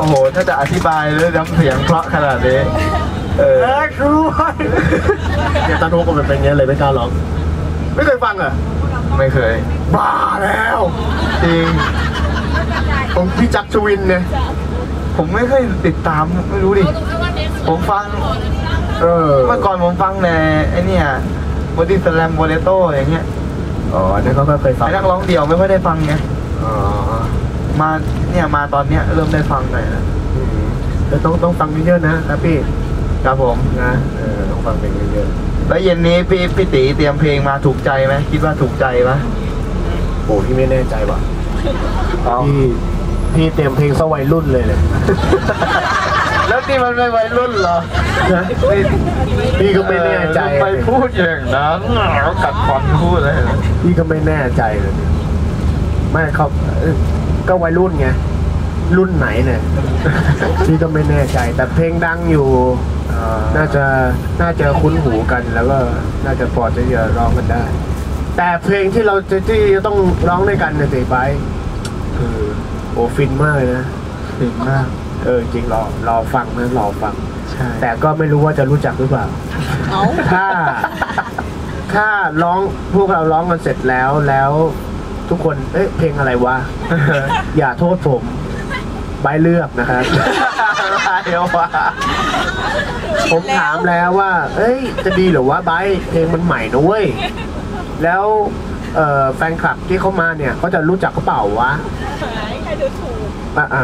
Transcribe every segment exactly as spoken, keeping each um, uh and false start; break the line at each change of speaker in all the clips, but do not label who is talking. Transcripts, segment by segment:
โหถ้าจะอธิบายเลยน้ำเสียงเพราะขนาดนี้เออครู
เนี่ยตอนโทรก็เป็นอย่างนี้เลยไม่กล้าร้องไม่เคยฟังอ่ะ
ไม่เคย
บ้าแล้ว
จริง
ผมพี่จักรชวินเนี่ย
ผมไม่เคยติดตามไม่รู้ดิผมฟัง
เออ
เมื่อก่อนผมฟังในไอ้นี่บอดี้สแลมโบเลโต้อย่างเงี้ย
อ๋อเนี่ยเขาก็เคยฟัง
นักร้องเดี่ยวไม่ค่อยได้ฟังไง
อ๋อ
มาเนี่ยมาตอนเนี้ยเริ่มได้ฟังหน่อยนะ
แต่ต้องต้องฟังเยอะๆนะครับพี่
ครับผม
นะเออต้องฟังเพลงเยอะ
ๆแล้วเย็นนี้พี่พี่ตีเตรียมเพลงมาถูกใจไหมคิดว่าถูกใจไหม
โอ้พี่ไม่แน่ใจว่ะพี่พี่เตรียมเพลงสวัยรุ่นเลยเลย
แล้วนี่มันไม่วัยรุ่นเหรอ
พี่ก็ไม่แน่ใจ
ไปพูดอย่างนั้นกัดฟันพูดเลย
พี่ก็ไม่แน่ใจเลยไม่เขาก็วัยรุ่นไงรุ่นไหนเนี่ยพี่ก็ไม่แน่ใจแต่เพลงดังอยู่น่าจะน่าจะคุ้นหูกันแล้วก็น่าจะพอจะร้องกันได้แต่เพลงที่เราจะที่จะต้องร้องด้วยกันเนี่ยสิไปคือโอ้ฟินมากเลยนะ
ฟินมาก
เออจริงรอรอฟังนะรอฟัง
ใช่
แต่ก็ไม่รู้ว่าจะรู้จักหรือเปล่าถ้าถ้าร้องพวกเราร้องกันเสร็จแล้วแล้วทุกคนเอ๊ะเพลงอะไรวะ อย่าโทษผมใบเลือกนะครับ
เดี๋ยวว่า
ผมถามแล้วว่าเอ้ยจะดีหรือว่าใบเพลงมันใหม่นะเว้ยแล้วแฟนคลับที่เขามาเนี่ยเขาจะรู้จักกระเป๋าวะ
ใครดูถูก
อ่า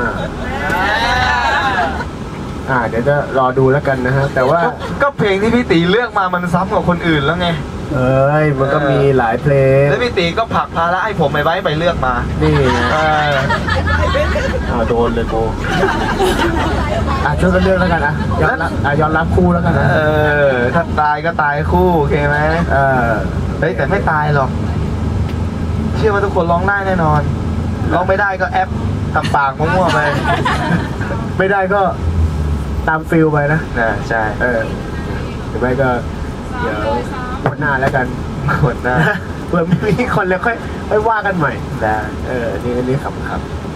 อ่าเดี๋ยวจะรอดูแล้วกันนะฮะแต่ว่า
ก็เพลงที่พี่ตีเลือกมามันซ้ำกับคนอื่นแล้วไง
เอ้ยมันก็มีหลายเพลง
แล้วพี่ตีก็ผลักภาระให้ผมไปไว้ไปเลือกมา
นี่ไงอ่าโดนเลยโกอ่ะช่วยกันเลือกแล้วกันนะย้อนรับอ่ะย้อนรับคู่แล้วกันนะ
เออถ้าตายก็ตายคู่โอเคไหม
เออ
เฮ้ยแต่ไม่ตายหรอกเชื่อว่าทุกคนร้องได้แน่นอนร้องไม่ได้ก็แอปทำปากมั่วๆไป
ไม่ได้ก็ตามฟิลไปนะ
นะใช่
เออหรือไม่ก็เดี๋ยววันหน้าแล้วกัน
วันหน้า
เผื่อมีคนแล้วค่อยค่อยว่ากันใหม่
ได้
เออนี่อันนี้ขำๆ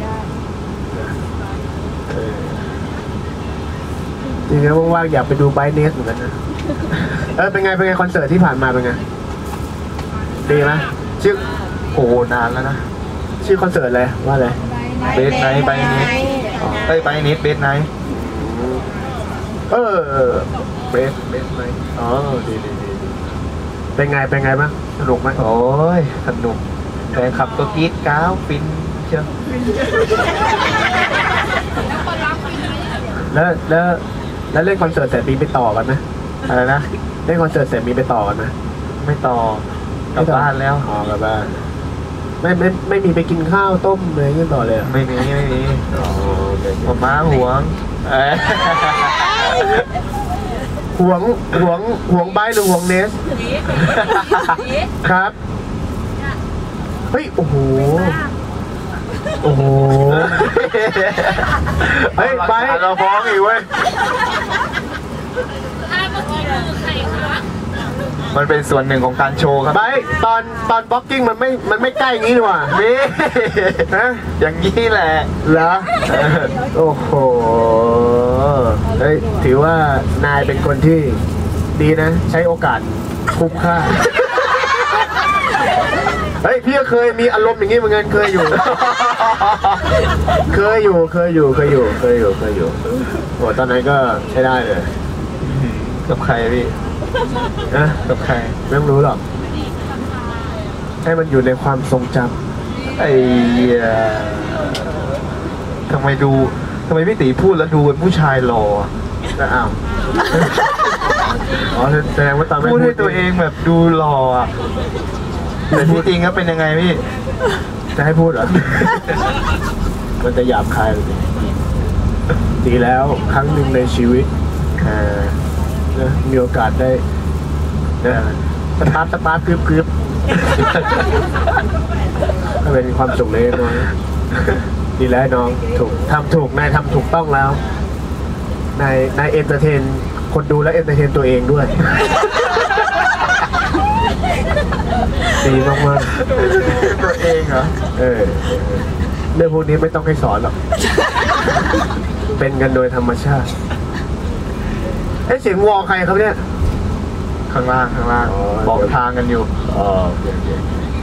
จริงๆว่างๆอยากไปดูไบเนสเหมือนกันนะเออเป็นไงเป็นไงคอนเสิร์ตที่ผ่านมาเป็นไงดีไหมชื่อ
โอ้นานแล้วนะ
ชื่อคอนเสิร์ตอะไรว่าอะไร
เบสไนท์ไบเนสเอ้ยไบเนสเบสไนท์
เออเบสเบสไนท์อ๋อดีดีดีเป็นไงเป็นไงบ้างสนุกไหม
โอ้ยสนุกแฟนขับตัวกีดก้าวฟินเชียว
แล้วแล้วแล้วเล่นคอนเสิร์ตเสร็จมีไปต่อกันไหม
อะไรนะ
เล่นคอนเสิร์ตเสร็จมีไปต่อกันไหม
ไม่ต่อกลับบ้านแล้ว
อ๋อกลับบ้านไม่ไม่ไม่มีไปกินข้าวต้มอะไรเงี้ยต่อเลย
ไม่มีไม่มี
อ๋อ
ผมม้าหวง
หวงหวงหวงใบหรือหวงเนสครับเฮ้ยโอ้โหโอ้โหเฮ้ยใบ
เราฟ้องอีกเว้ยมันเป็นส่วนหนึ่งของการโชว์ครับ
ไบตอนตอนบล็อกกิ้งมันไม่มันไม่ใกล้อย่างนี้หรอ
มีฮะอย่างนี้แหละ
เหรอโอ้โหเฮ้ยถือว่านายเป็นคนที่ดีนะใช้โอกาสคุ้มค่าเฮ้ยพี่ก็เคยมีอารมณ์อย่างนี้เหมือนกันเคยอยู่เคยอยู่เคยอยู่เคยอยู่เคยอยู่เคยอยู่โอ้ตอนนั้นก็ใช้ได้เลย
กับใครพี่
นะ
กับใคร
ไม่รู้หรอกให้มันอยู่ในความทรงจ
ำไอ้ทำไมดูทำไมพี่ตีพูดแล้วดูเป็นผู้ชายหล่อ
แล้วอ้าวอ๋อแสดงว่าตอน
พูดให้ตัวเองแบบดูหล่อแต่ที่จริงก็เป็นยังไงพี่
จะให้พูดเหรอมันจะหยาบคายเลยดีแล้วครั้งหนึ่งในชีวิตมีโอกาสได้สตาร์ทสตาร์ทกรึบกรึบก็เป็นความสุขเลยน้องดีแล้วน้องถูกทำถูกนายทำถูกต้องแล้วนายนายเอนเตอร์เทนคนดูและเอนเตอร์เทนตัวเองด้วยดีมากมาก
ตัวเองเหรอ
เออเรื่องพวกนี้ไม่ต้องให้สอนหรอกเป็นกันโดยธรรมชาติเอ้เสียงวอใครครับเนี่ย
ข้างล่างข้างล่าง
อ๋อ
บอกทางกันอยู่
อ๋อโอเคโอเค